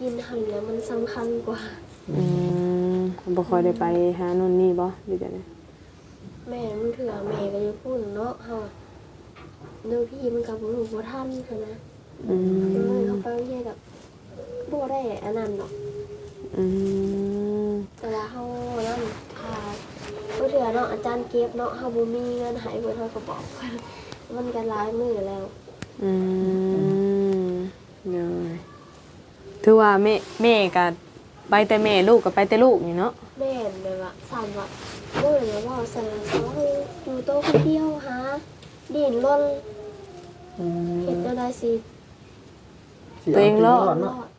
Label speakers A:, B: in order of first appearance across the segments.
A: กินหันแล้วมันสำคัญกว่า
B: อืมบ่ค่อยได้ไปหานู่นนี่บ่หรือจังได๋
A: แม่มันเถื่อแม่ก็จะพูดเนาะเฮาเนื้อพี่มันกับลูกบ่ทันค่ะนะเลยเขาไปเรียนกับบ่ได้อันนั้นเนาะแต่ว่าเฮานั่นถ้าบ่เถื่อเนาะอาจารย์เก็บเนาะเฮาบ่มีเงินให้เพิ่นเฮาก็บอกมันก็หลายมื้อแล้ว
B: เนาะถือว่าแม่ก็ไปแต่แม่ลูกก็ไปแต่ลูกนี่เนาะ
A: แม่นแบบว่าสั่นว่าบ่เลยว่าสั่นเขาอยู่โตคนเดียวหาดิ้นรนเฮ็ดได้สิ
B: ตัวเองรอด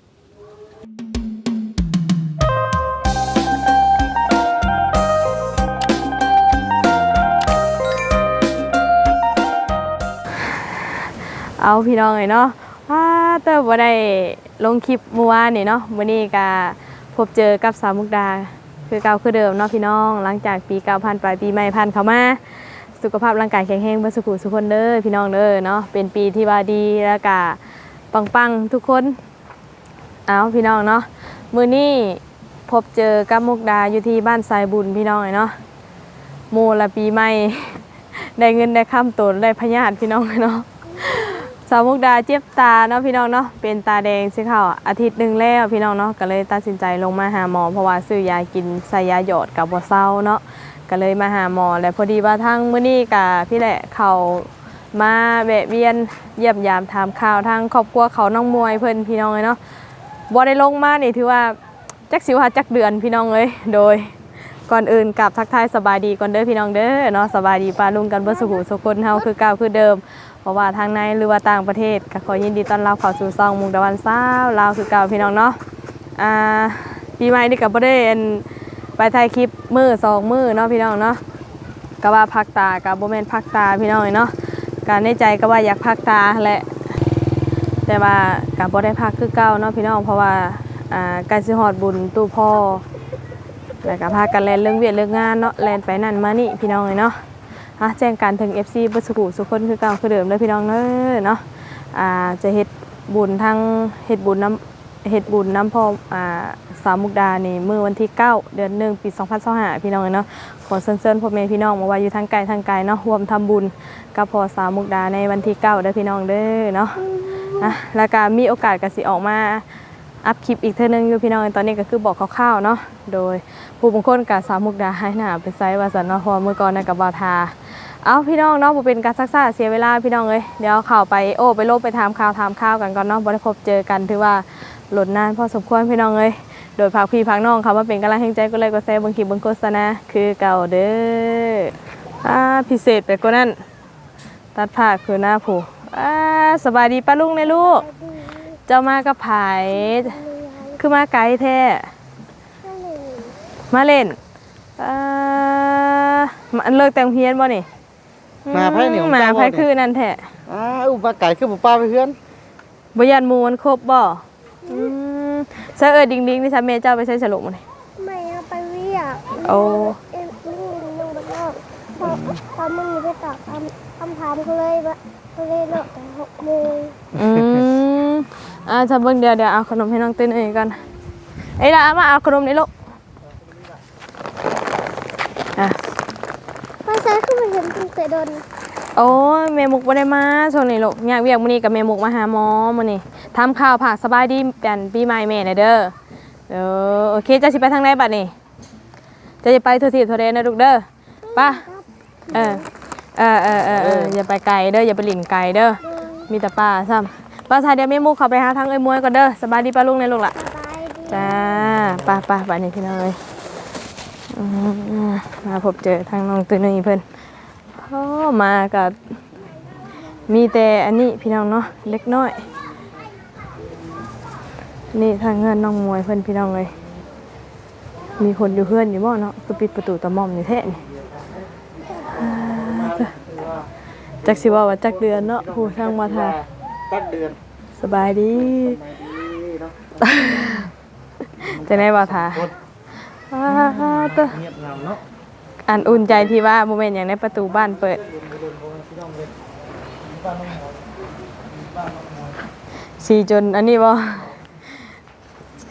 B: เอาพี่น้องเนาะเติบบ่ได้ลงคลิปเมื่อวานนี่เนาะมื้อนี้ก็พบเจอกับสาวมุกดาคือเก่าคือเดิมเนาะพี่น้องหลังจากปีเก่าผ่านไปปีใหม่ผ่านเข้ามาสุขภาพร่างกายแข็งแรงเบ่สุขสุขคนเด้อพี่น้องเด้อเนาะเป็นปีที่ว่าดีแล้วก็ปังๆทุกคนเอาพี่น้องเนาะมื้อนี้พบเจอกับมุกดาอยู่ที่บ้านทรายบุญพี่น้องเนาะโมละปีใหม่ได้เงินได้ค่ำตนได้พญาติพี่น้องเนาะสาวมุกดาเจ็บตาเนาะพี่น้องเนาะเป็นตาแดงสิเขาอาทิตย์นึงแล้วพี่น้องเนาะก็เลยตัดสินใจลงมาหาหมอเพราะว่าซื้อยากินใส่ยาหยอดกับบ่เซาเนาะก็เลยมาหาหมอและพอดีว่าทางมื้อนี้กับพี่แหละเขามาแวะเวียนเยี่ยมยามถามข่าวทางครอบครัวเขาน้องมวยเพิ่นพี่น้องเนาะบ่ได้ลงมานี่ถือว่าจักสิว่าจักเดือนพี่น้องเลยโดยก่อนอื่นกับทักทายสบายดีก่อนเด้อพี่น้องเด้อเนาะสบายดีป้าลุงกันเบิดสุขสุขคนเฮาคือเก่าคือเดิมเพราะว่าทางในหรือว่าต่างประเทศก็ขอยินดีต้อนรับเข้าสู่ซองมุกดาวันสาวลาวคือเก่าพี่น้องเนาะปีใหม่นี่ก็บ่ได้ไปถ่ายคลิปมื้อ2มื้อเนาะพี่น้องเนาะก็ว่าพักตาก็บ่แม่นพักตาพี่น้องเนาะก็ในใจก็ว่าอยากพักตาแหละแต่ว่าก็บ่ได้พักคือเก่าเนาะพี่น้องเพราะว่าใกล้สิฮอดบุญตู้พ่อแล้วก็พากันแล่นเรื่องเวียดเรื่องงานเนาะแล่นไปนั่นมานี่พี่น้องเนาะแจ้งการถึง FC บ่สุขสุขคนคือเก่าคือเดิมเลยพี่น้องเนาะจะเฮ็ดบุญทางเฮ็ดบุญน้ำพ่อสาวมุกดานี่มื้อวันที่9เดือน1ปี2025พี่น้องเนาะขอเชิญพ่อแม่พี่น้องมาว่าอยู่ทางไกลเนาะร่วมทำบุญกับพ่อสาวมุกดาในวันที่9เด้อพี่น้องเด้อเนาะแล้วก็มีโอกาสก็สิออกมาอัพคลิปอีกเทื่อนึงอยู่พี่น้องตอนนี้ก็คือบอกคร่าวๆเนาะโดยผู้บางคนกับสาวมุกดาให้หน้าไปไซว่าซั่นเนาะเพราะเมื่อก่อนน่ะกับบาทาเอาพี่น้องเนาะบ่เป็นการซักซ่าเสียเวลาพี่น้องเอ้ยเดี๋ยวเข้าไปไปลบไปถามข่าวกันก่อนเนาะบ่ได้พบเจอกันถือว่าหล่นนานพอสมควรพี่น้องเอ้ยโดยพาพี่พักน้องค่ะมาเป็นกำลังแห่งใจก็เลยก็แซ่บางคลิปบางโฆษณาคือเก่าเด้อพิเศษไปกว่านั้นตัดผ้าคือหน้าผู้สบายดีป้าลุงในลูกเจ้ามากับไผคือมาไกลแท้มาเล่นมันเลิกแต่งเฮียนบ่นี่
C: มาไผนี่
B: มาไผคือนั่นแท้
C: อุปไก่คือบ่ป้าไปเฮือน
B: บ่ยันหมู่มันครบบ่ซะดิ่งๆนี่ซะแม่เจ้าไปใช้สรุปมื้อนี่
A: ไม่เอาไปเวียก
B: โอ้
A: ลุงบ่ก็พอมึงไปตอบคำถามก็เลยเลิกแต่6 โมง
B: จะเบิ่งเดี๋ยวเอาขนมให้น้องตื้นเอ้ยก่อนล่ะมาเอาขนมนี่ลูก
A: ไปใช้คือบ่เห็นตั้งแต่โดน
B: โอ้ยแม่มุกบ่ได้มาช่วงนี้ลูกอยากเวียกมื้อนี้กับแม่มุกมาหาหมอมื้อนี้ทำข่าวผักสบายดีกันปีใหม่แม่น่ะเด้อโอเคจะสิไปทางไหนบัดนี้จะไปทั่วทิศทั่วแดนนะลูกเด้อป่ะอย่าไปไกลเด้ออย่าไปหลิ่นไกลเด้อมีแต่ป้าซ้ำป้าชายเดี๋ยวแม่มุกเข้าไปหาทางมวยก่อนเด้อสบายดีป้าลุงในลูกล่ะจ้าป้าบัดนี้พี่น้องเอ้ยมาพบเจอทางน้องตุ้ยนี่เพิ่นมากับมีแต่อันนี้พี่น้องเนาะเล็กน้อยนี่ทางเงินน้องมวยเพิ่นพี่น้องเลยมีคนอยู่เพื่อนอยู่บ่เนาะคือปิดประตูตะม่อมอยู่แท้นี่จักสิว่าจักเดือนเนาะผู้ทางมาทา
C: จักเดือน
B: สบายดีจะได้บ่ทาอันอุ่นใจที่ว่าโมเมนต์อย่างในประตูบ้านเปิดสีจนอันนี้บ่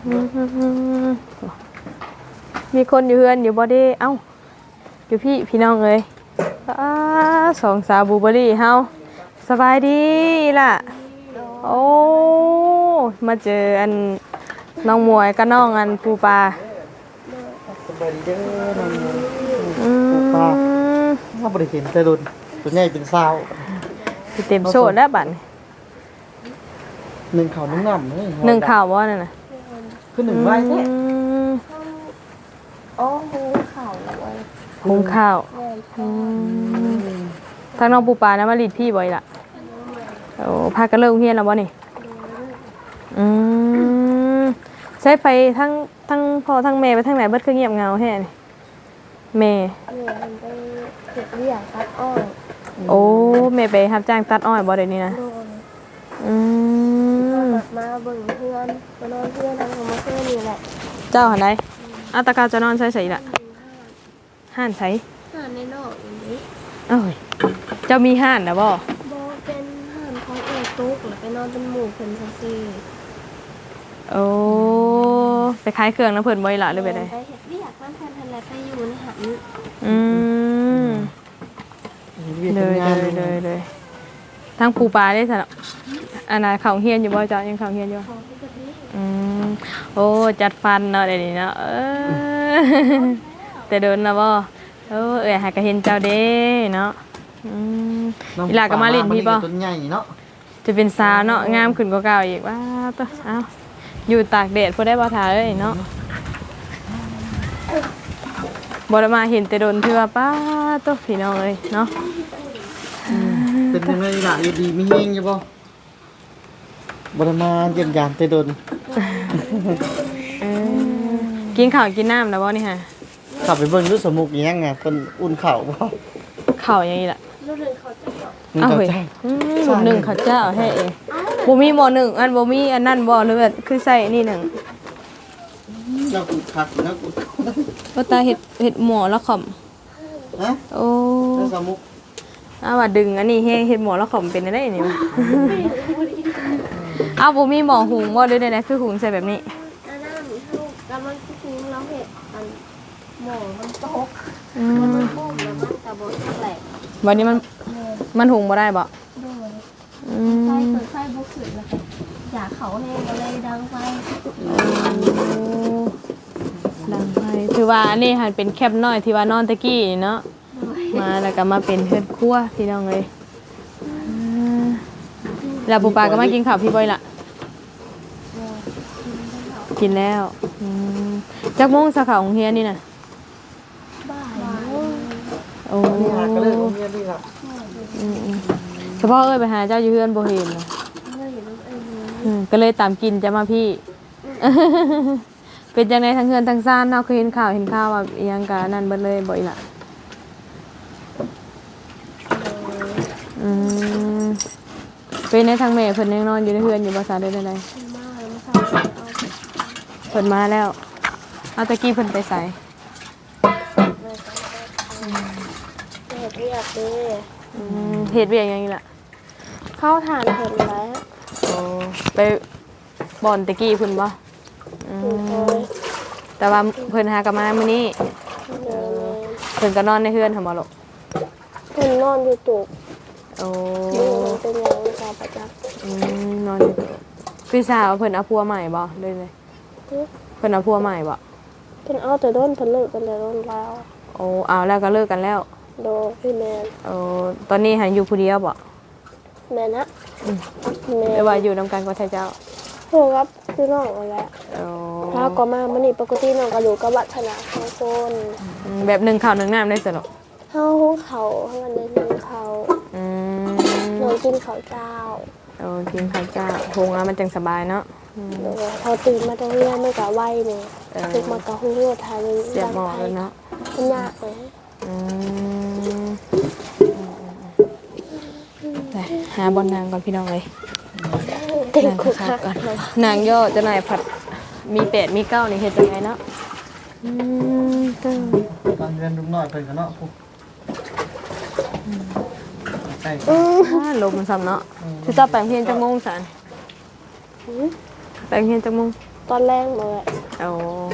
B: มีคนอยู่เฮือนอยู่บ่เด้เอ้าอยู่พี่น้องเอ้ยสองสาวบลูเบอร์รี่เฮาสบายดีล่ะโอ้มาเจออันน้องมวยกับน้องอันปูปลา
C: สบายดีเด้อน้องปูปลาถ้าบ่ได้เห็นแต่รุ่นตัวใหญ่เป็นสาว
B: สิเต็มโซดแล้วบัดนี้
C: หนึ่งข้าวนุ่งงำเลย
B: หนึ่งข่าวบ่นั่นน่ะ
C: คือหนึ่งใบแท้
A: อ๋อหูเขาไว้
B: หุงข้าว
A: แม่น
B: ทางน้องปูปลานะมาลีดพี่บ่อยล่ะโอ้พากันเลิกโรงเรียนแล้วบ่นี่อืมใช้ไปทั้งพ่อทั้งแม่ไปทางไหนเบิดคือเงียบเหงาแฮ่นี่แม่
A: แม่มันไปเก็บเรียกตัดอ้อย
B: โอ้แม่ไปรับจ้างตัดอ้อยบ่เดี๋ยวนี้นะ
A: โดน
B: อืม
A: มาเบิ่งเพื่อนมานอนเพื่อนทำของมาเพื่อนนี่แหละ
B: เจ้าหันใดอาตากาจะนอนใส่ใส่ล่ะห่านใส่
A: ห่านในนอกอย่างนี้
B: เอ้ยเจ้ามีห่านนะบ่
A: บอเป็นห่านของเอตุ๊กหรือไปนอนเป็นหมู่เพิ่นซื่อ
B: โอ้ไปขายเครื่องน้ำเพิ่นบ่อยล่ะหรือไปได้
A: ไปเฮ็ดเรียกมันเพิ่นทันแล้วไปอยู่ในหัน
B: อืมเลยทางปูปลาได้สนะอันน่ะเขาเฮียนอยู่บ่เจ้ายังเขาเฮียนอยู่
A: ของที่กะทิ
B: อืมโอ้จัดฟันเนาะเดี๋ยวนี้เนาะแต่เดินนะบ่หากะเห็นเจ้าเด้เนาะอีหลาก็มาลิ้นพี่บ่
C: ตัวใหญ่เนาะ
B: จะเป็นสาวเนาะงามขึ้นกว่าเก่าอีกว้าตัวเอ้าอยู่ตากแดดพอได้บ่ทาเอ้ยเนาะบ่ได้มาเห็นแต่โดนที่ว่าป้าตัวพี่น้องเอ้ยเนาะ
C: เป็นยังไงล่ะอยู่ดีมีเฮงอยู่บ่บ่ได้มาเยี่ยมยามแต่โดน
B: กินข้าวกินน้ำแล้วบ่นี่ฮะ
C: ขับไปเบิ่งดูสมุกอีหยังไงเพิ่นอุ่นข้าวบ่
B: ข้าวยังอีล่ะ
A: รู้เรื่องเขาจะบอก
C: นึ่ง
B: อ้าว
C: ข้าว
B: เฮ้ย
C: เจ้า
B: หมดหนึ่งข้าวเจ้าให้เองบ่มีหม้อหนึ่งอันบ่มีอันนั้นบ่หรือแบบคือใส่นี่หนึ่ง
C: แล้วกูคักแล้วกู
B: ว่าตาเห็ดหม้อละขอม
C: ฮะ
B: โอ้
C: แล้วสมุก
B: ว่าดึงอันนี้ให้เห็ดหม้อละขอมเป็นได้นี่วะอ้าวบ่มีหม้อหุงบ่ด้วยได้คือหุงใส่แบบนี้
A: อันนั้นเขากำลังคิดเราเห็ดอันหมอมันตก
B: อื
A: แล้ว
B: ม
A: มันปุ้มแล้วมันกระบอกแหลก
B: วันนี้มันหุงบ่ได้บ่
A: ด้วย
B: อื
A: ไส้
B: ม
A: เปิดไส้บุกขึ้นแล้วอยากเขาแห้งก็เลยดังไฟ
B: ดังไฟถือว่าอันนี้หันเป็นแคบน้อยที่ว่านอนตะกี้นี่เนาะมาแล้วก็มาเป็นเฮือนครัวพี่น้องเอ้ยแล้วปูปลาก็มากินข้าวพี่บอยล่ะ กินแล้วจักโมงสาขาของเฮียนี่น่ะ
A: บ้า
B: โอ้
C: นี่หาก็เลยโรงเรียนนี่ครับ
B: เฉพาะไปหาเจ้าอยู่เฮือนบ่เห็นน่ะ
A: เลยน้องเอ็น
B: ก็เลยตามกินจะมาพี่ เป็นจังไดทั้งเฮือนทั้งซ่านเนาะเคยเห็นข่าวว่าอีหยังกะนั่นเบิดเลยบ่อีหล่ะเป็นในทางแม่เพิ่นยังนอนอยู่ในเฮือนอยู่บ่ซาได้ใด
A: มาแล้วมาสั่งเอา
B: เพิ่นมาแล้วเอาตะกี้เพิ่นไปไส
A: เห็ดเรียกเลย
B: เฮ็ดเวียกหยังอีหล่ะ
A: เข้าทานเห็ดแล้ว
B: ไปบ่อนตะกี้เพิ่นบ่
A: ถูกเลย
B: แต่ว่าเพิ่นหากลับมามื้อนี้เพิ่นก็นอนในเฮือนหั่นบ่ลูก
A: เพิ่นนอนอยู่ตุก
B: โอ้
A: มันเป็นยังกาประจักษ์
B: นอนอยู่พี่สาวเพิ่นเอาผัวใหม่บ่เลยเพิ่นเอาผัวใหม่บ่
A: เพิ่นเอาแต่โดนเพิ่นเลิกกันแต่โดนแล้ว
B: โอ้เอาแล้วก็เลิกกันแล้ว
A: โดพี่แมน
B: โอ้ตอนนี้หันอยู่ผู้เดียวบ่
A: แม่นะแม่
B: หรือว่าอยู่นํกันกับเจ้า
A: โหครับคือน้องเอาแหละ
B: โอ้
A: ถ้าก็มามันนี่ปกติน้องก็อยู่กับวัฒนาของคน
B: แบบ1ข้าว1น้ำได้สนุก
A: เฮาหุงเขาเฮากันได้กินเขาน้องกินข้าวเจ้า
B: โอ้กินข้าวเจ้าหุงแล้วมันจังสบายเนาะ
A: โดเขาตื่นมาตรงเรียนมันก็ไหวนี่ตึกมากะหุงโยทานึง
B: เสียบหม้อแล้วเนาะ
A: มันยากเลย
B: ไปหาบอลนางก่อนพี่น้องเลย
A: เต็ม
B: นาง
A: คุก
B: คั
A: คั
B: ก
A: ก
B: ก่อนนางย่อจะนายผัดมี8มี9นี่เฮ็ดจังไงเนาะตึ้ง
C: ตอนเรียนลุงน้อยเพิ่นก็เนาะพวกใช่
B: ลมมันซ้ำเนาะสิจะแปลงเพียนจังงงสันแปลงเพียนจังงง
A: ตอนแรกเลย
B: เอา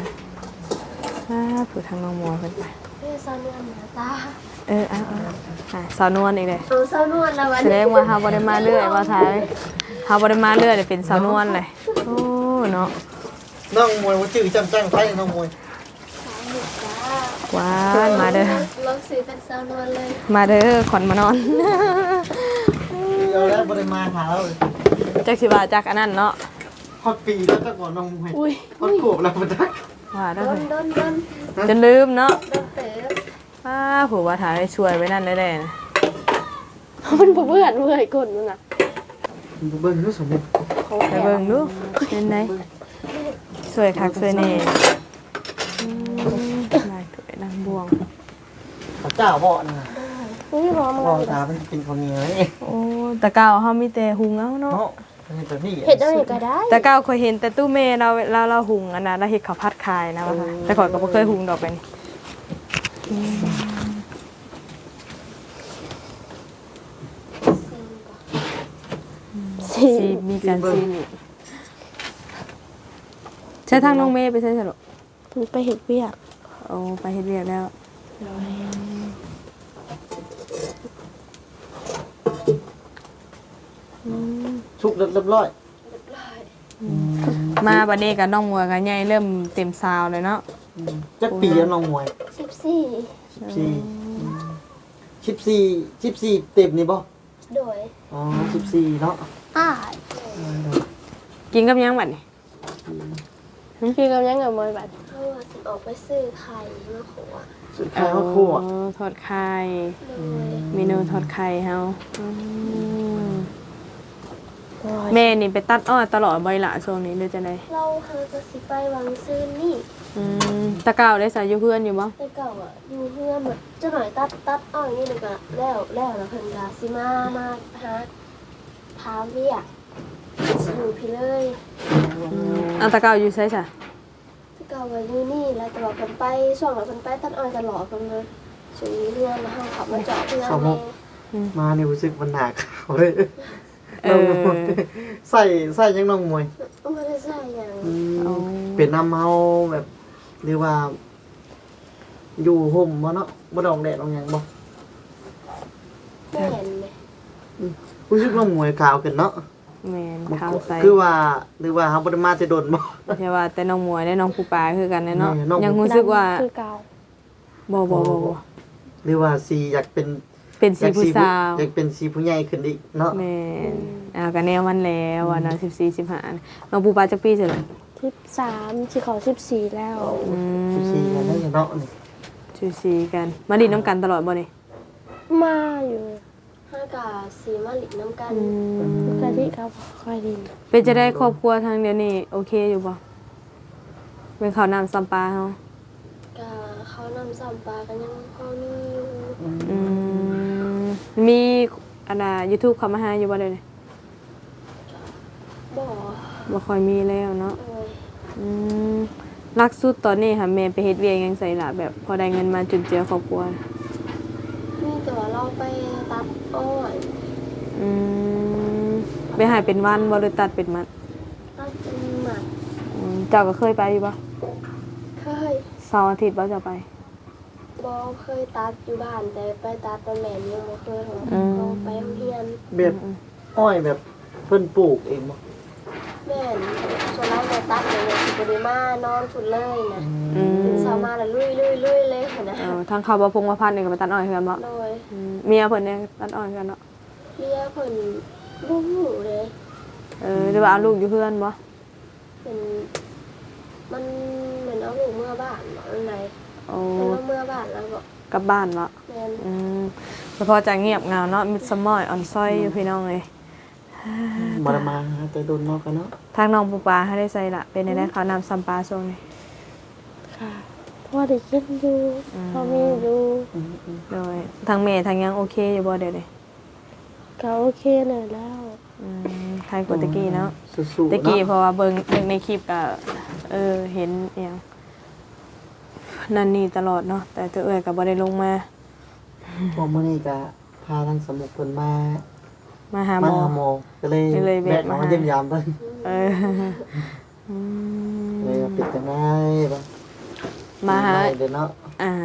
B: ผู้ทางน้องมัวเพิ่นไป
A: เฮ้ยสาวนวลหน้าตา
B: สาวนวลอีกเลย
A: สาวนวลแล้ววัน
B: แสดงว่าเฮาบ่ได้มาเรื่อยว่าท้ายเฮาบ่ได้มาเรื่อยเป็นสาวนวลเลยโอ้เนาะ
C: น้องมวยว่าชื่อจำจังไทยน้องมวย
A: จ้า
B: ว้านมาเด้อ
A: ลองซื้อเป็นสาวนวลเลย
B: มาเด้อขอนมานอน
C: เอาแล้วบ่ได้มาหาเราเลย
B: จักสิว่าจักอันนั้นเนาะ
C: ฮอดปีแล้วจักก่อนน้องมวย
B: อุ้ย
C: ฮอดขวบแล้วบ่จัก
B: ว่าได้
A: โด
B: เล
A: น
B: ย
A: โดนโดน
B: จนลืมเนาะ
A: โดนเต๋อ
B: ผู้ว่าถ่ายช่วยไว้นั่นได้ๆนะ
A: มันเพื่อนเพื่อนกดมันอ่ะ
C: เบิ่งดูสมมุติ
B: ไปเบิ่งดูเป็นไดสวยคักสวยแน่ลายถวยนางบวง
C: ข้าวเจ้าบ่นะ
A: อุ้ยหอม
C: บ่
A: เลย
C: ตามันเป็นข้าวเหนียวนี่
B: โอ้ตะเก้าเฮามีแต่หุงเอาเนาะ
C: เนาะอันนี้แบบนี้
A: เห็ดอะไรก็ได้
B: ตะเก้าเคยเห็นแต่ตู้เมเราหุงอันนั้นเราเฮ็ดข้าวผัดขายนะว่าค่ะแต่ก่อนก็บ่เคยหุงดอกเป็น
A: สี
B: ซีมีการซีนอีกใช้ทางน้องเมย์ไปใช้สรุป
A: มันไปเห็ดเวียก
B: โอ้ไปเฮ็ดเรียบแล้ว
C: ชุกเรียบร้อย
B: มาบัดนี้กับน้องมัวกับใหญ่เริ่มเต็มซาวเลยเนาะ
C: จักปีแล้วน้องมวย
A: 14
C: 14เต็มนี่บ่
A: โดย
C: อ๋อ14เนาะ
A: อ้า
B: กินกับหยังบัดนี้
A: พี่กำลังกับมอยบัดเขาว่าสิออกไปซื้อไข่มาขวด
C: สุดท้ายว่าครัว
B: อ๋อทอดไข่
A: โดย
B: เมนูทอดไข่เฮาแม่นี่ไปตัดอ้อยตลอดบ่อยละช่วงนี้หรือจังได๋
A: เราหาก็สิไปวังซื้อนี่
B: ตะเก้าได้ใส่อยู่เพื่อนอยู่บ่
A: แต่เก่าอ่ะอยู่เพื่อนแบบเจ้าหน่อยตัดอ้อยนี่เลยก็แล้วแล้วเพิ่นก็สิมาหาถามเรียกสิอยู่พี่เลย
B: อันตะเก้าอยู่ไสซะ
A: แต่เก่าก็อยู่นี่แล้วแต่ว่าเพิ่นไปช่วงนั้นเพิ่นไปตัดอ้อยตลอดเพิ่นเลยสิอยู่เพื่อนแล้วเฮาขับมาเจาะเพื่อนเลย
C: มานี่รู้สึกมันหนักเขาเลยน้องมวยใส่ยังน้องมวย
A: ไม่ได้ใส่อย่าง
C: เป็นน้ำเมาแบบหรือว่า อยู่ห่มบ่เนาะบ่ดองแดดดองหยังบ่
A: ไม่เห็นเลย
C: รู้สึกน้องมวยขาวขึ้นเนาะ
B: แม่นข้าวใส่
C: คือว่าหรือว่าเฮาบ่ได้มาแต่โดนบ่
B: ใช่ว่าแต่น้องมวยได้น้องผู้ปลาคือกันเนาะ
C: แม่น้อง
B: ยังรู้สึกว่า
A: คือเก่า
B: บ่
C: หรือว่าสีอยากเป็น
B: เป็นสีผู้สาว
C: อยากเป็นสีผู้ใหญ่ขึ้นอีกเนาะ
B: แม่นก็แนวมันแล้วว่านะ14 15น้องผู้ปลาจักปีสิล่ะ
A: 13สิขอ14แล้ว
C: สีกันได้เนาะนี่
B: ชูซีกันมาดินน้ำกันตลอดบ่นี่
A: มาอยู่ห้ากาสีมาหลิน้ำกันกะทิครับค่อยดิน
B: เป็นจะได้ครอบครัวทางเดียวนี่โอเคอยู่บ่เป็นข้าวน้ำซ้ำปลาเฮาก
A: ะเขานำซ้ำปลากันยังพอมีอยู่
B: มีอันน่ะ YouTube เข้ามาหาอยู่บ่เด้นี่
A: บ่
B: บ่ค่อยมีแล้วเนาะ
A: เอ้ย
B: ลักสุดตอนนี้ค่ะแม่ไปเฮ็ดเวียกหยังใส่ล่ะแบบพอได้เงินมาจุนเจือครอบครัว
A: มีแต่ว่าเราไปตัดอ้อย
B: ไปหาเป็นวันบ่หรือตัดเป็นมัด
A: ตัดเป็นหมัด
B: เจ้าก็เคยไปอยู่บ่
A: เคย
B: เสาร์อาทิตย์บ่เจ้าไป
A: บ่เคยตัดอยู่บ้านแต่ไปตัดตอนแม่ยังบ่เคยของเราไปโรงเรียน
C: แบบอ้อยแบบเพิ่นปลูกเองบ่
A: แม่นส่วนเราไปตัดเนี่ยสิบ่ได้มานอนพุ่นเลยนะตื่นเช้ามาแล้วลุยเลยนะ
B: ทางเขาบ่พงว่าพันนี่ก็ไปตัดอ้อยคือกันบ่
A: โดย
B: เมียเพิ่นเนี่ยตัดอ้อยคือกันเนาะ
A: เรียกเพิ่นบ่ฮู้เลย
B: หรือว่าเอาลูกอยู่เพื่อนบ่
A: เป็นมันเหมือนเอาลูกเมื่อบ้านเนาะอันไหน
B: โอ้
A: เป็นว่าเมื่อบ้านแล้วก็
B: กลับบ้านบ่
A: แม่น
B: แต่พอจะเงียบเหงาเนาะมิดสมอยอ่อนซ้อยอยู่พี่น้องเอ้ย
C: บ่ได้มาหาแต่โดนเนาะกันเนาะ
B: ทางน้องปูปลาให้ได้ใส่ละเป็นได้ข้าวน้ำซัมปลาช่วงนี้
A: ค่ะพ่อได้กินอยู่พ่อมีอยู่
B: โดยทางเมย์ทางยังโอเคอยู่บ่เดี๋ยวนี้
A: ก็โอเคหน่อยแล้ว
B: ใครกดตะกี้เนาะ
C: สู้ๆ
B: ตะกี้เพ
C: เนาะ
B: ราะว่าเบิ่งในคลิปก็เห็นอหยังนั่นนี่ตลอดเนาะแต่ตัวเอ้ยก็บ่ได้ลงมา
C: พอมื้อนี้ก็พาทางสมุกเพิ่นมา
B: หาหมอ
C: ก็เลย
B: ก็เลยแวะ
C: แวะ
B: มา
C: มาเยี่ยมยามเพิ่น
B: เออ
C: จังไงบ่
B: มาหา
C: เด้อเนาะ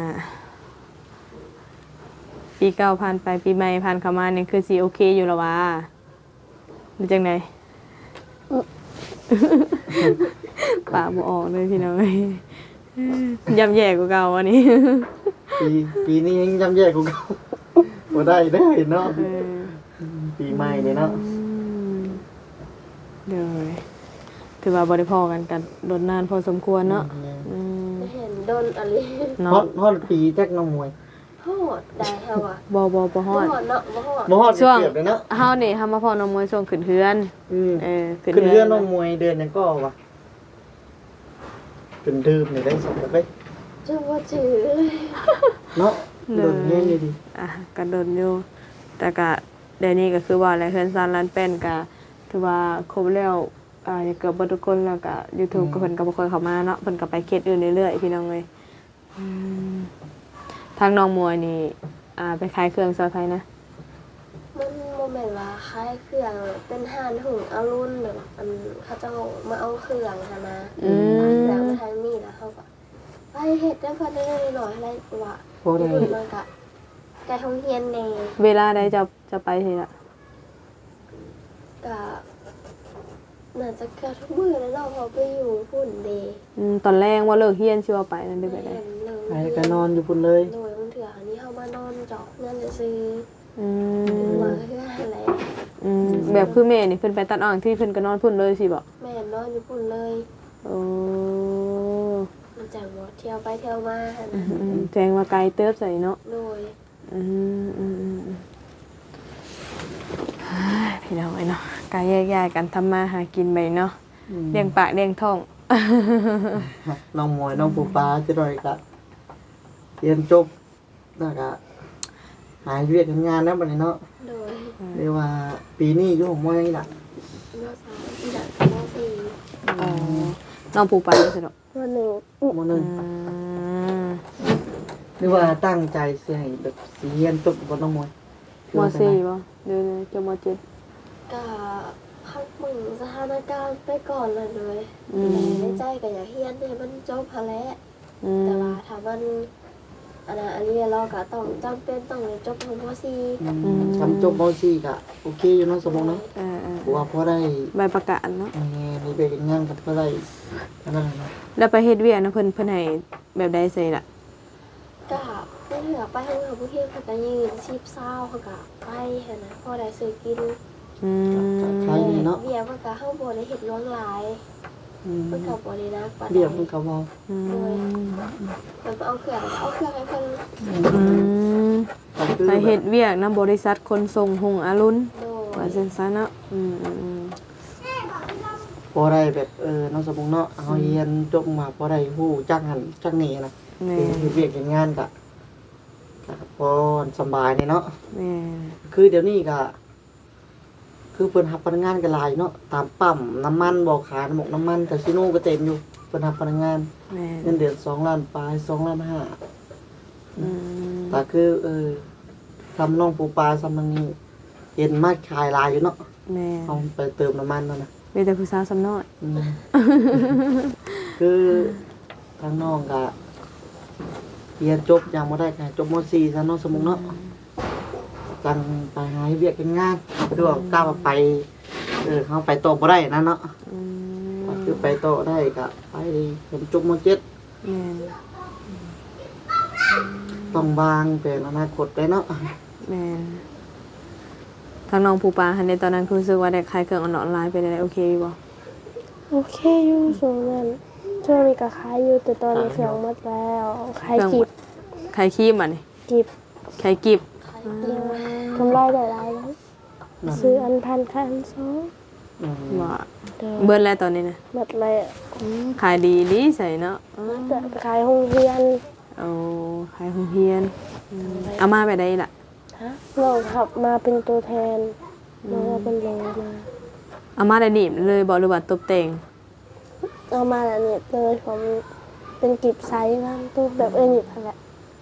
B: ปีเก่าผ่านไปปีใหม่ผ่านเข้ามานี่คือสิโอเคอยู่แล้ววะหรือจังไดปากบ่ออกเลยพี่น้องเอ้ยย่ำแย่กว่าเก่าอันนี้
C: ปีนี้ยังจำแย่กูเก่าบ่ได้เด้อเนาะปีใหม่นี่เนาะ
B: เดี๋ยวถือว่าบ่ได้พอกันกันโดนนานพอสมควรเนาะอืม
A: ไม่เห็นโดนอะไร
B: เนาะ
C: ฮอดปีจักน้องมวย
A: โหดได้เฮาอ่ะ
B: บ่ฮ
A: บ่
B: อ
A: ฮ
B: ด
A: อดเนาะบ่ฮอด
C: บ่ฮอด
B: ช่วง
C: เกือบเลยเนาะ
B: เฮานี่เฮามาพอน้องมวยช่วงขึ้นเฮือน
C: ขึ้นเรือน้องมวยเดือนหนึงก็ว่ะเป็นดื่มนี่ได้สักไป
A: จังว่าจื้อ
C: เนาะโดนแย่งดี
B: ก็โดนอยู่แต่ก็เดี๋ยวนี้ก็คือว่าอะไรเฮือนซานร้านแป้นก็ถือว่าครบแล้วเกือบเบ่ทุกคนแล้วก็ YouTube ก็เพิ่นก็บ่ค่อยเข้ามาเนาะเพิ่นก็ไปเขตอื่นเรื่อยๆพี่น้องเอ้ยทางน้องมวยนี่ไปขายเครื่องซอยไผนะ
A: มันบ่แม่นว่าคล้ายเครื่องเป็นห่านหุงอรุณแบบอันเขาเจ้ามาเอาเครื่องหั่นนะแล้วมาทางนี้แล้วเฮาก็ไปเฮ็ดได้เพิ่นได้หน่อยอะไรว่า
C: ๆพอได้
A: มันก็ไกลโรงเรียนแน่
B: เวลาใดจะไปทีละ
A: ก็น่าจะเกือบทุกมื้อแล้วเนาะเพอไปอยู่พุ่นเด
B: ตอนแรกว่าเลิกเฮียนสิว่าไปนั่นได้ไปได้
C: ไปก็นอนอยู่พุ่นเลย
A: โดยบางเถื่ออันนี้เฮามานอนเจาะเงินจะซื้อ
B: อื
A: มาม เพื่ออะไร
B: แบบคือแม่นี่เพิ่นไปตัดอ่างที่เพิ่นก็นอนพุ่นเลยสิบ่
A: แม่นอนอยู่พุ่นเลย
B: โอ้
A: มันจังบ่เที่ยวไปเที่ยวมาหั่น
B: แจ้งว่าไกลเติบใส่เนาะ
A: โดย
B: พี่น้องไอ้เนาะกายแยกย้ายกันทำมาหากินไปเนาะเลี้ยงปากเลี้ยงท้อง
C: น้องมวยน้องปูปลาจะได้ก็เรียนจบแล้วก็หาเวียกทำงานแล้วบัดนี้เนาะ
A: โดย
C: เรียกว่าปีนี้อยู่ของมวยนี่ล่ะ
A: มสามอีหลักมสี่
B: อ๋อน้องปูไปเลยสิเนาะ
A: มหนึ่ง
C: มหนึ่งหรือว่าตั้งใจสิให้แบบสิเรียนจบบ่น้องมวย
B: มสี่บ่เดี๋ยวจะมเจ็ด
A: ก็พักมึงสถานการณ์ไปก่อนเลยในใจก็อยากเฮียนให้มันจบพะแล้วแต่ว่าถ้ามันอันนี้เราก็ต้องจำเป็นต้องจบของมสี่
C: ทำจบม .4 ก็โอเคอยู่เนาะสมมุติเนาะเพราะว่าพอได้
B: ใบประกาศเนาะ
C: มีไปงานก็พอได้อันนั้นน่ะเนาะ
B: แล้วไปเฮ็ดเวียกนะเพิ่นให้แบบใดใส่ล่ะ
A: ก็เพื่อเหลือไปทางผู้เที่ยวเขาก็ยืนชีพเศร้าเขาก็ไปเห็นนะพอได้ซื้อกิน
C: ขายดีเนาะ
A: เบียร์มันก็เข้าบ่ได้เห็ดร้อนหลายมันก็บ่ได้นักปานใด
C: เรียบมันก็เว้า
A: โดยมันเอาเครื่องให้เพิ่น
C: ก็คือ
B: ไปเฮ็ดเวียกนำบริษัทขนส่งหงอรุณ
A: โดย
B: ว่าจังซั่นเนาะ
C: พอได้แบบเนาะสมมุติเนาะเฮาเรียนจบมาพอได้ฮู้จักหันจักนี่นะ
B: แม่
C: เฮ็ดเวียกเฮ็ดงานก็พอสำบายนี่เนาะ
B: แม่
C: คือเดี๋ยวนี้ก็คือเพิ่นรับพนักงานก็หลายเนาะตามปั๊มน้ำมันบ่ขายน้ำมันคาสิโนก็เต็มอยู่เพิ่นรับพนักงาน
B: แม่
C: เงินเดือน2ล้านปลาย2ล้าน5
B: อืม
C: แต่คือทำน้องปูปลาซำนังนี้เห็นมาขายหลายอยู่เนาะ
B: แม่
C: เอาไปเติมน้ำมันนั่นน่ะ
B: มีแต่ผู้สาวสำน้อย
C: อืม คือทางน้องก็เรียนจบยังบ่ได้ก็ให้จบม .4 ซะเนาะสมมุติเนาะจังไปหาเวียกเฮ็ดงานคือว่ากล้าไปเขาไปต่อบ่ได้นะเนาะ
B: อืม
C: คือไปต่อได้ก็ไปผมจบม .7
B: แม่
C: ต้องวางเป็นอนาคตได้เนาะ
B: แม่ทางน้องผู้ปาหันในตอนนั้นคือรู้สึกว่าได้ขายเครื่องออนไลน์เป็นอะไรโอเคอยู่บ่
A: โอเคอยู่ช่วงนั้นช่วงนี้ก็ขายอยู่แต่ตอนนี้เครื่องหมดแล้วขายกิบ
B: ขายครีมอ่ะนี่
A: กิบ
B: ขายกิบ
A: กำไรได้หลายแล้วซื้ออันพันคันสอง
B: ว่า
A: เด้อ
B: เบิ่นแล้วตอนนี้นะ
A: หมดเลย
B: ขายดีดีใส่เนาะ
A: แต่ขายโรงเรียน
B: โอ้ขายของเฮียนเอามาไปได้ล่ะ
A: น้องขับมาเป็นตัวแทนน้องเป็นโลมา
B: เอามาได้หนีบเลยบ่หรือว่าตบแต่ง
A: เอามาแล้วเนี่ยเลยผมเป็นกิบไซส์บ้างตู้แบบหยิบนั่นแหละ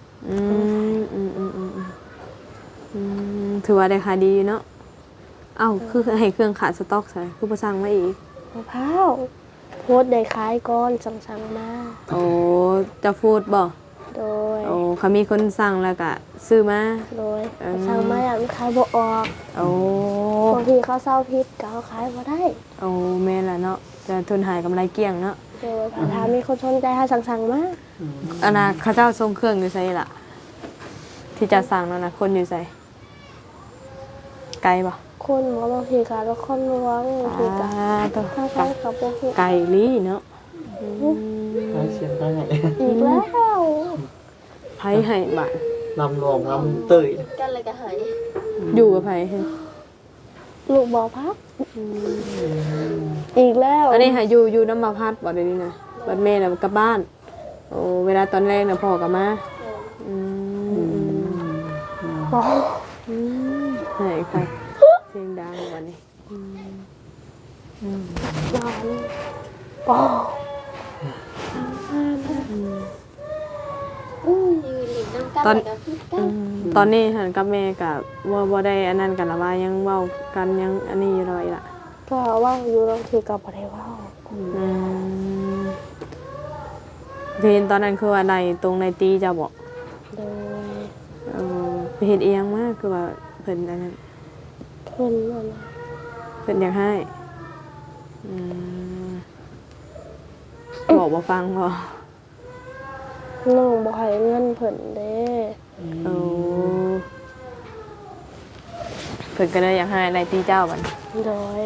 B: ถือว่าได้ขายดีอยู่เนาะเอ้าคือให้เครื่องขาดสต็อกใส่คือบ่สั่งมาอีก
A: มะพร้าว
D: ดได้ขายก่อนสั่งมา
B: โอ้จะฟูดบ่
D: โดย
B: โอ้เขามีคนสั่งแล้วก็ซื้อมา
D: โดยสั่งมาอย่างขายบ่ออก
B: โอ้
D: บางทีเขาเศร้าพิษก็เขาขายบ่ได้
B: โอ้แม่นล่ะเนาะจะทุนหายกำไรเกลี้ยงเนาะ
D: โดยถ้ามีคนสนใจให้สั่งมา
B: อันน่ะเขาเจ้าทรงเครื่องอยู่ไสล่ะ ที่จะสั่งนั่นน่ะคนอยู่ไสไกลบ่
D: คนหมอบางทีก็ละคนลวงบางทีก็
B: ต้อง
D: ทางใช้กับบ่ฮู้
B: ไกลลีเนาะ
C: ใช้เสียงได้ไง
D: อีกแล้ว
B: ไผให้บาด
C: ลำลองลำเตย
A: กันเลยก็หาย
B: อยู่กับไผเฮ้ย
D: ลูกบ่พักอีกแล้ว
B: อันนี้หาอยู่น้ำมาพัดบ่ได้นี่นะบัดแม่น่ะกลับบ้าน โอ้เวลาตอนแรกน่ะพ่อก็มาอืม
D: บ่
B: ไหนค่ะเสียงดังวันนี้
D: นอนบ่
A: ยืนหลิงน้ำกันเลยก็พิษกัน
B: ตอนนี้หันกับแม่กับว่าบ่ได้อันนั้นกันละว่ายังเว้ากันยังอันนี้อยู่เลยล่ะ
D: ก็ว่าอยู่บางทีก็บ่ได้เว้า
B: เพนตอนนั้นคือว่าในตรงในตีจะบอก
D: โดย
B: ไปเฮ็ดเอียงมากคือว่าเพิ่นอันนั้น
D: เพิ่นนั่นน่ะ
B: เพิ่นอยากให้บอกบ่ฟังบ่
D: น้องบ่ให้เงินเพิ่นเด้
B: โอ้เพิ่นก็เลยอยากให้ในตีเจ้าบัด
D: โดย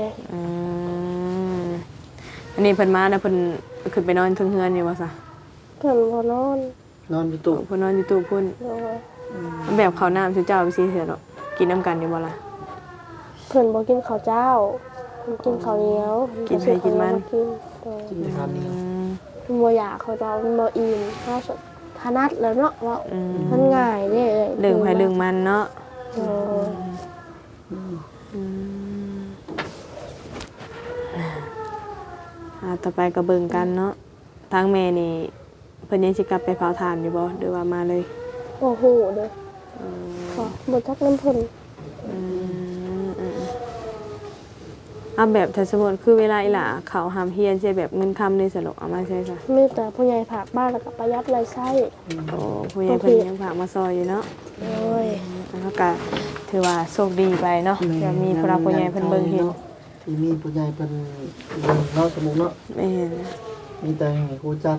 B: อันนี้เพิ่นมาแล้วเพิ่นขึ้นไปนอนเทึงเฮือนอยู่ว่าซะ
D: เพิ่นบ่นอน
C: นอนอยู่ตู้
B: เพิ่นนอนอยู่ตู้พุ่น
D: โดย
B: แบบข้าวน้ำชื่อเจ้าไปสิเถอะเนาะกินน้ำกันอยู่บ่ล่ะ
D: เพิ่นบ่กินข้าวเจ้าเพิ่นกินข้าวเหนียว
B: กินไผกินมัน
D: กินโดย
C: กินทานนี่
D: เพิ่นบ่อยากเขาจะมันบ่อิ่มเฮาถนัดแล้วเนาะว่ามันง่ายเด้
B: เรื่องไผเรื่องมันเนาะ
D: โดย
B: ต่อไปก็เบิ่งกันเนาะทางแม่นี่เพิ่นยังสิกลับไปเผาถ่านอยู่บ่หรือว่ามาเลย
D: บ่ฮู้เด้อก็บ่จักน้ำเพิ่น
B: เอาแบบถ้าสมมุติคือเวลาอีหล่าเขาหามเฮียนใช่แบบเงินคำนี่สลกเอามาใช่ซะ
D: มีแต่ผู้ใหญ่ฝากบ้านแล้วก็ประหยัดรายใช้
B: โอ้ผู้ใหญ่เพิ่นยังฝากมาซอยอยู่เนาะ
D: โดย
B: แล้วก็ถือว่าโชคดีไปเนาะจะมีผู้รักผู้ใหญ่เพิ่นเบิ่งเห็น
C: ที่มีผู้ใหญ่เป็นเบิ่งเนาะสมมุติเนาะ
B: แม่น
C: มีแต่ให้รู้จัก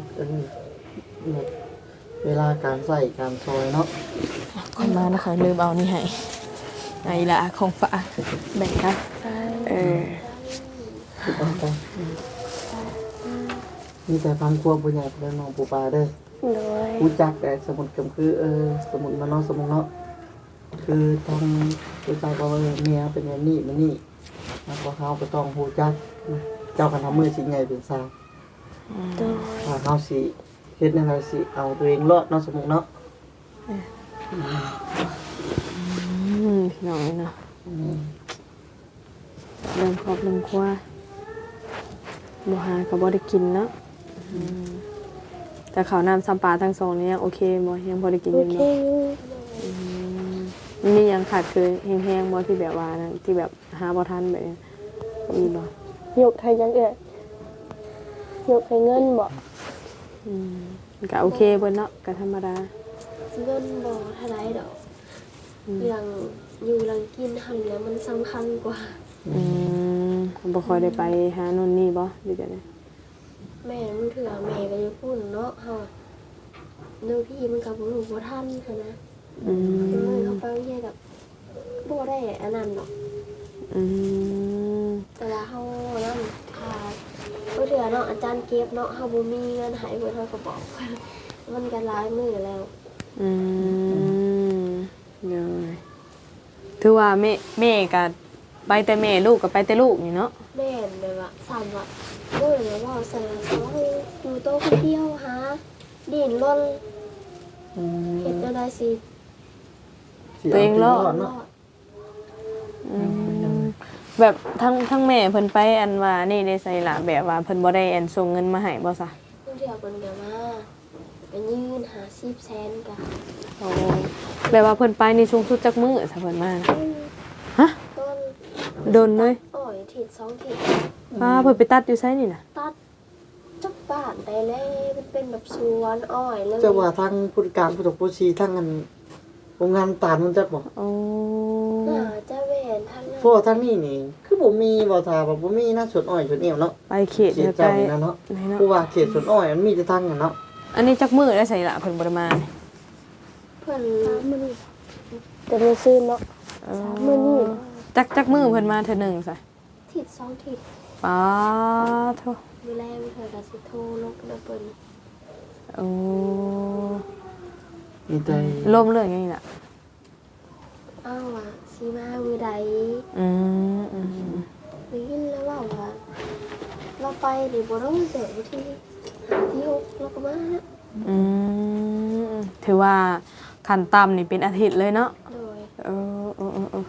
C: เวลาการใส่การซอยเนาะ
B: คนมานะคะลืมเอานี่ให้ไอ้ละของฝากแบ่งกัน
C: มีแต่ฟังครัวผู้ใหญ่เป็นน้องปูปลาเด้อ
D: โดย
C: รู้จักแต่สมุดก็คือสมุดมาเนาะสมุดเนาะคือต้องรู้จักว่าเมียเป็นอย่างนี้มันนี่แล้วก็เขาก็ต้องรู้จักเจ้ากันทำมือสิไงเป็นสาว
D: โดย
C: ถ้าเขาสิเฮ็ดแนวใดสิเอาตัวเองรอดเนาะสมุดเนาะ
B: พี่น้องเนาะเริ่มครอบเริ่มครัวบ่หาก็บ่ได้กินเนาะแต่ข้าวน้ำซ้ำปลาทั้งสองนี่ยังโอเคบ่ยังพอได้กิน
D: โอ
B: อยู่
D: เค
B: เนาะมียังขาดคือแห้งๆบ่ที่แบบว่านั้นที่แบบหาบ่ทันแบบนี้มีบ่
D: ยกให้ยังเอ่ยยกให้เงินบ่
B: ก็โอเคเบิ่นเนาะก็ธรรมดา
A: เงินบ่เท่าไรดอกเรื่องอยู่เรื่องกินหันแล้วมันสำคัญกว่า
B: บ่ค่อยได้ไปหาโน่นนี่บ่หรือจังได๋
A: แม่มันเถื่อแม่ก็จะพูดเนาะเฮาเนื้อพี่มันกับบ่รู้บ่ทันค่ะนะเลยเขาไปเรียนกับบ่ได้อันนั้นเนาะแต่ว่าเฮานั่นถ้าบ่เถื่อเนาะอาจารย์เก็บเนาะเฮาบ่มีเงินให้เพิ่นเฮาก็บอกมันก็หลายมื้อแล้ว
B: เดี๋ยวถือว่าแม่ก็ไปแต่แม่ลูกก็ไปแต่ลูกนี่เนาะ
A: แม่นแบบว่าสั่นว่าโอ้ยแล้วว่าสั่นเขาอยู่โตะคนเดียวหาดินรนเฮ็ดจังได๋สิ
B: ตัวเองรอด
A: รอด
B: แบบทั้งแม่เพิ่นไปอันว่านี่ได้ใส่ล่ะแบบว่าเพิ่นบ่ได้อันส่งเงินมาให้บ่ซะ
A: เพิ่นเถื่อเพิ่นก็มาไปยืนหา10แสนก็
B: โอ้แบบว่าเพิ่นไปนี่สูงสุดจักมื้อซะเพิ่นมานะฮะ
A: ต้น
B: โดนเลย
A: อ้อยทิศ2ทิศ
B: เพิ่นไปตัดอยู่ไสนี่น่ะ
A: ตัดานได้แล้วมันเป็นแบบสวนอ้อยเลย
C: เจ้าว่าทางผู้การผู้ตกผู้ชีทั้งอันโรงงานตาลมันจักบ่
B: โอ้
A: น่าจะแม่นทางนั้น
C: เพราะว่าทางนี้นี่คือบ่มีบ่ทาว่าบ่มีนะสวนอ้อยสวนเอวเนาะ
B: ไปเขต
C: เข
B: เดี
C: ต
B: ยวกั
C: เจ้าน นี่นะเนาะ
B: ไหนเนาะ
C: เพราะว่าเขตสวนอ้อยมันมีแต่ทางนั้นเนาะ
B: อันนี้จักมือได้ใส่ละเพิ่นบ่ได้มานี่
A: เพิ่น
D: มันจะมีซื้อเนาะ
B: เออ
D: มื้อนี้
B: จักมือเพิ่นมาเทื่อหนึงซะ
A: ทิศ2ทิศ
B: ป๊าโท
A: มื้อแรกเพิ่นก็สิโทรลงนะเพิ่น
B: โอ้
C: มีแต่
B: ลมเรื่องหยังนี่ล่ะ
A: อ้าวว่าสิมามื้อใด
B: อืม
A: ได้ยินแล้วว่าเราไปนี่บ่ต้องเจอที่6แล้วก็มา
B: อืมถือว่าขั้นต่ำนี่เป็นอาทิตย์เลยเนาะ
A: โดย
B: เออ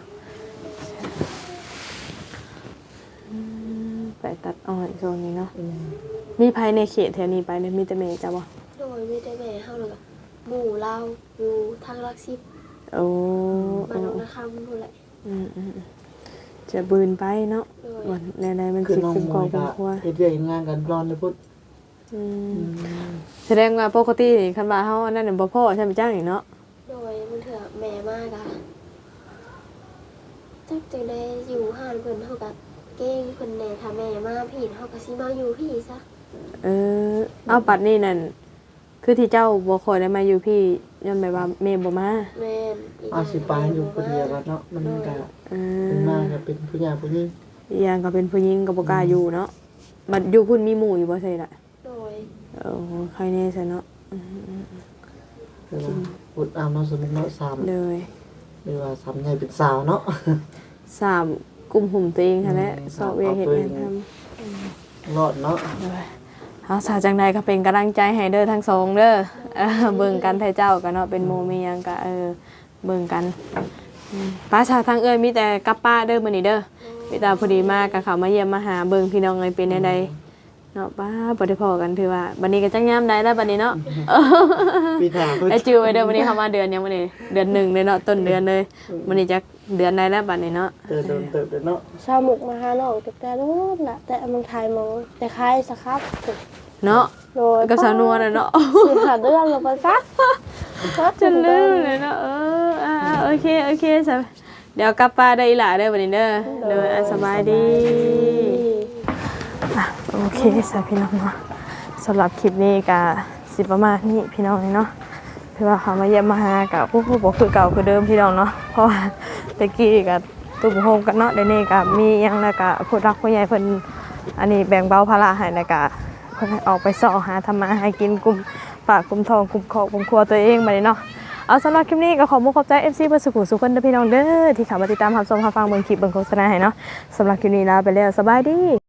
B: ไปตัดอ้อยโซนนี้เนาะมีภายในเขตแถวนี้ไปเนี่ยมีแต่เมย์จ้ะบ่
A: โดยมีแต่แม่เฮาเลยก็หมู่เราอยู่ทางลัก10
B: โอ้
A: บ้านนองนาคำนู่นแหละ
B: จะบืนไปเนาะ
A: โดย
B: วันในมัน
C: คือ
B: สิ
C: น้อง
B: คุ้ม
C: ม
B: ครอ
C: ว
B: ง
C: ย
B: คร
C: ก็
B: อบครัว
C: เฮ็ดเรื่องเฮ็ดงานกันร้อนเลยพุทธ
B: แสดงว่าปกตินี่คันว่าเฮาอันนั้นน่ะบ่พอใช่มั้ยจ้างนี่เนาะ
A: โดยมันเถื่อแม่มากอะจักจังได้อยู่ห้านเพิ่นเฮาก็เก่งเพิ่นแหน่ถ้าแม่มาพี่เฮาก็สิมาอยู่พี่ซะ
B: เออเอาปัดนี่นั่นคือที่เจ้าบ่ค่อยได้มาอยู่พี่ย้อนแบบว่าแม่บ่มา
A: แม่นอีก
C: อาสิไปอยู่คนเดียวกันเนาะมันก็
B: เอ
C: เป็น
B: อ
C: มากก็เป็นผู้ใหญ่ผู้หญิง
B: อีกอย่างก็เป็นผู้หญิงก็บ่กล้าอยู่เนาะบัดอยู่พุ่นมีหมู่อยู่บ่ใช่ล่ะ
A: โดย
B: โอ้ใครแน่ซะเนาะ
C: คือว่าพุทธเอาเนาะสมมุติเนาะ3
B: เลย
C: หรือว่า3ใหญ่เป็นสาวเนาะ
B: 3กุมหุ่มตัวเองค่ะแหละสอบเวเฮ็ดงานทำ
C: รอดเนาะ
B: เอาสาจังใดก็เป็นกำลังใจให้เด้อทั้งสองเด้อเบิ่งกันไทเจ้ากันเนาะเป็นโมมีหยังก็เบิ่งกันป้าชาทางเอ้ยมีแต่กับป้าเด้อมื้อนี้เด้อมีแต่พอดีมากก็เข้ามาเยี่ยมมาหาเบิ่งพี่น้องเอ้ยเป็นใดๆเนาะป้าบ่ได้พอกันถือว่าบัดนี้ก็จังยามใดแล้วบัดนี้เนาะ
C: มีถามเพิ่น
B: ไอ้จือไว้เด้อวันนี้เข้ามาเดือนยังมื้อนี้เดือน1เลยเนาะต้นเดือนเลยมื้อนี้จักเดือนใดแล้วบัดนี้เนาะ
C: เติบเนาะ
D: ชาวหมุกมาหาน้องแต่โน้นล่ะแต่เมืองไทยมองแต่คล้ายสครับ
B: เนาะ
D: โดย
B: กับสาวนัวน่ะเนาะ
D: สิหาเรื่องลงไปซัก
B: จะลืมเลยเนาะโอเคสบเดี๋ยวกลับป้าได้อีหล่าเด้อวันนี้เด้อเด้อสบายดีโอเคสบพี่น้องเนาะสำหรับคลิปนี้ก็สิประมาณนี้พี่น้องเนาะคือว่าเขามาเยี่ยมมาหากับผู้บอกคือเก่าคือเดิมพี่น้องเนาะเพราะว่าตะกี้กับตุ้มโฮมกันเนาะเดี๋ยวนี้ก็มียังแล้วก็ผู้รักผู้ใหญ่เพิ่นอันนี้แบ่งเบาภาระให้แล้วก็เพิ่นออกไปส่อหาทำมาให้กินกลุ่มฝากกลุ่มทองกลุ่มครอบกลุ่มครัวตัวเองมาเลยเนาะเอาสำหรับคลิปนี้ก็ขอบใจ FC เพื่อสุขุสุขคนเด้อพี่น้องเด้อที่เข้ามาติดตามรับชมรับฟังเบิ่งคลิปเบิ่งโฆษณาให้เนาะสำหรับคลิปนี้ลาไปแล้วสบายดี